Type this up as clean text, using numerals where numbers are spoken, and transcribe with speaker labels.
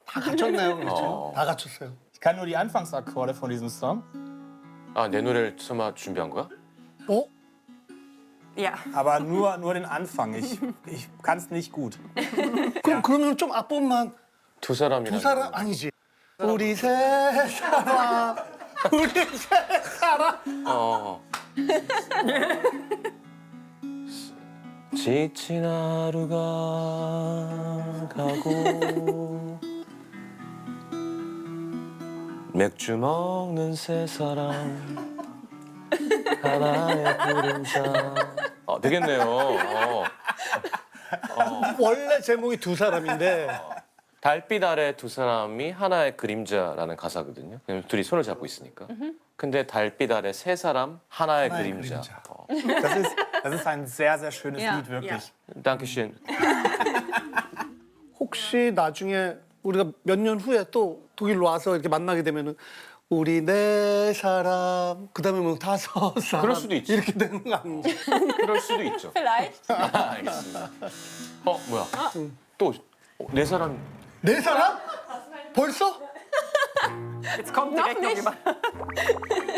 Speaker 1: 다 갖췄나요? 그렇죠. 다 갖췄어요.
Speaker 2: Ich kann nur die Anfangsakkorde von diesem Song.
Speaker 3: 아, 내 노래를 설마 준비한 거야?
Speaker 1: 어?
Speaker 4: Ja.
Speaker 2: Aber nur den Anfang. Ich kann es nicht gut.
Speaker 1: 그러면 좀 앞부분만
Speaker 3: 두 사람이랑.
Speaker 1: 두 사람 아니지. 우리 세 사람. 우리 세 사람.
Speaker 3: 어. 지친 하루가 가고 맥주 먹는 세 사람 하나의 그림자. 되겠네요.
Speaker 1: 원래 제목이 두 사람인데
Speaker 3: 달빛 아래 두 사람이 하나의 그림자라는 가사거든요. 그냥 둘이 손을 잡고 있으니까. 근데 달빛 아래 세 사람 하나의 그림자.
Speaker 1: 그림자.
Speaker 2: Das ist ein sehr, sehr schönes
Speaker 4: Ja,
Speaker 2: Lied, wirklich.
Speaker 3: dankeschön.
Speaker 1: 혹시 나중에 우리가 몇 년 후에 또 독일로 와서 이렇게 만나게 되면은 우리 네 사람 그다음에 뭐 다섯 사람
Speaker 3: 그럴 수도 있지.
Speaker 1: 이렇게 되는 거 아니지?
Speaker 3: 그럴 수도 있죠.
Speaker 4: Vielleicht.
Speaker 3: 알겠습니다. 뭐야? 또 네 사람.
Speaker 1: 네 사람? 벌써?
Speaker 4: Jetzt kommt direkt noch jemand.